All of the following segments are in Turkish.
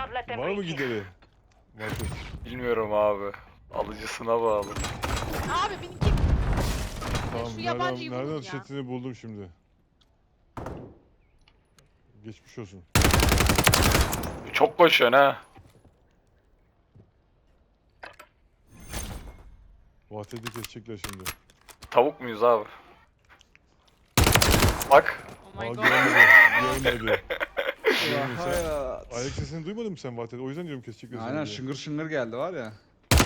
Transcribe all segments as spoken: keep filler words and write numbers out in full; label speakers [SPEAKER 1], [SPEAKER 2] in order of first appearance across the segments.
[SPEAKER 1] Var mı gideri? Vahdet.
[SPEAKER 2] Bilmiyorum abi. Alıcısına bağlı.
[SPEAKER 3] Abi benimki
[SPEAKER 1] Tamam,
[SPEAKER 3] şu yabancıyı
[SPEAKER 1] nereden,
[SPEAKER 3] bulun
[SPEAKER 1] nereden
[SPEAKER 3] ya.
[SPEAKER 1] chatini buldum şimdi. Geçmiş olsun.
[SPEAKER 2] Çok koşuyorsun ha.
[SPEAKER 1] Vahdet'i kesecekler şimdi.
[SPEAKER 2] Tavuk muyuz abi? Bak.
[SPEAKER 3] Oh my
[SPEAKER 1] Aa,
[SPEAKER 3] god.
[SPEAKER 1] görmedi. Görmedi. Görmedi. Sen,
[SPEAKER 4] Hayat.
[SPEAKER 1] ayak sesini duymadın mı sen Vahdet? O yüzden diyorum kesecekler seni
[SPEAKER 4] Aynen
[SPEAKER 1] diye.
[SPEAKER 4] şıngır şıngır geldi var ya.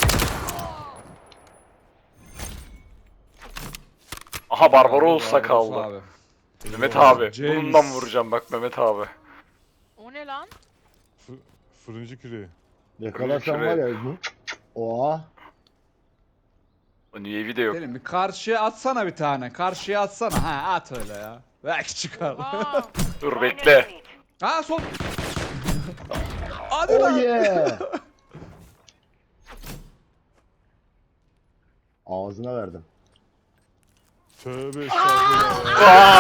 [SPEAKER 2] Aha Barbaros sakallı.
[SPEAKER 4] Abi.
[SPEAKER 2] Mehmet abi.
[SPEAKER 4] James.
[SPEAKER 2] Bununla mı vuracağım bak Mehmet abi.
[SPEAKER 3] O ne lan?
[SPEAKER 1] Fı, fırıncı küreği.
[SPEAKER 5] Yakalarsan var ya. Hı? Oha.
[SPEAKER 2] O Nüyevi de yok.
[SPEAKER 4] Selim bir karşıya atsana bir tane. Karşıya atsana. Ha at öyle ya. Belki çıkar.
[SPEAKER 3] Aa,
[SPEAKER 2] Dur bekle.
[SPEAKER 4] Ha sol. Hadi
[SPEAKER 5] Oh
[SPEAKER 4] lan.
[SPEAKER 5] yeah. Ağzına verdim.
[SPEAKER 1] Tövbe estağfurullah.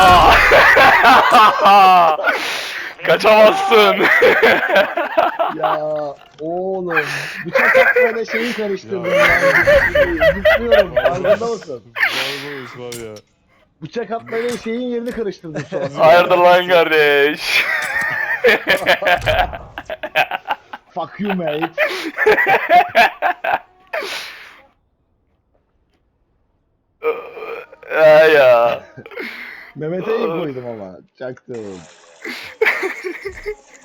[SPEAKER 2] Aa! Kaçamazsın.
[SPEAKER 5] Ya oğlum. Bıçak atmayla şeyi karıştırdım ya. Zıplıyorum. Farkında mısın?
[SPEAKER 1] Barbaros var ya.
[SPEAKER 5] Bıçak atmayla şeyin yerini karıştırdım şu an.
[SPEAKER 2] Hayırdır lan kardeş.
[SPEAKER 5] Fuck you mate.
[SPEAKER 2] Ya ya.
[SPEAKER 5] Mehmet'e iyi koydum ama. Çaktım.